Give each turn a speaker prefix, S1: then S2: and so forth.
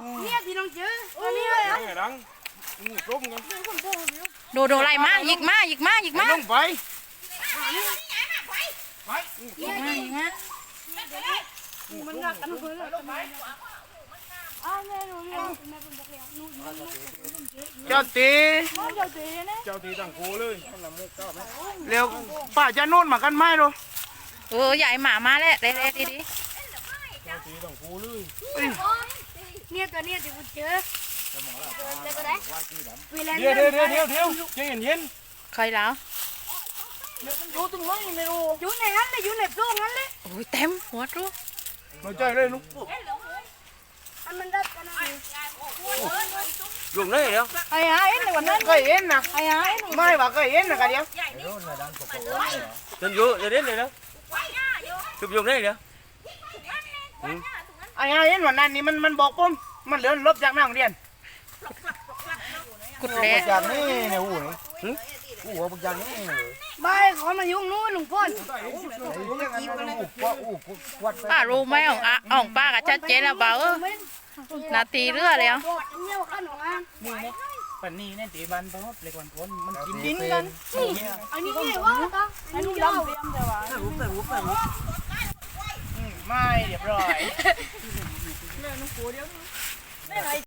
S1: เนี่ยพี่น้องเจอตัวนี้เลยอ่ะ
S2: ไงดังต้มกัน
S3: โดไล่มาหยิกมา
S2: ลงไปไป
S3: หยิกมา
S1: มันหนักกันเลยอ้าวแม่หนูเนี่ยแม่เป็นบอกแล้วหนู
S2: เจ้าตี
S1: น้องเจ้าตีนะ
S2: เจ้าตีตั้งโคเลยเร็วป้าจะโน่นมากันไหมดู
S3: ใหญ่หมามาแล้วเด็ดดี
S2: เจ้าตีตั้งโคเลย
S1: เนี่ยตัวเนี่ยที่กูเจอเจอก็ได้เวลา
S2: เดี๋ยวใจเย็น
S3: ใครแล้ว
S1: อยู่ตรงนั้นไม่รู้อยู่ในนั้นเลยอยู่ในโซ่นั้นเลย
S3: โอ้ยเต็มหัวรู้
S2: มาใจเลยลูก
S1: อันมันได้กันนะ
S2: dùng đấy hiểu
S1: ไอ้ฮะเอ็นในวันนั้น
S2: cái yên nè
S1: ไอ้ฮะเอ็น
S2: mai bảo cái yên là cái điếu
S4: Đừng vô, giờ đến đây đó. Chụp dùng đây kìa.
S2: ai ai yên mà này mình bọc không mình lớn lớp dạng nào điền
S3: กุดแล้ว
S4: Chàng này này u này. U bọc chàng này.
S1: บายขอมายุ่งนู้นลุงพ่น
S3: ป้ารู้ไหมอ่องป้ากับชัดเจนแล้วเปล่านาทีเรือแล้ว
S1: เนี่ยข้าหนูอ่ะ
S2: ปันนี้เนี่ยตีบันเพราะเล็กวันพ้นมันกิน
S1: กินกันอันนี้เนี่ยว่าตาอันนี้ยาวเตรียมแต่ว่า
S2: ไม่เรียบร้อย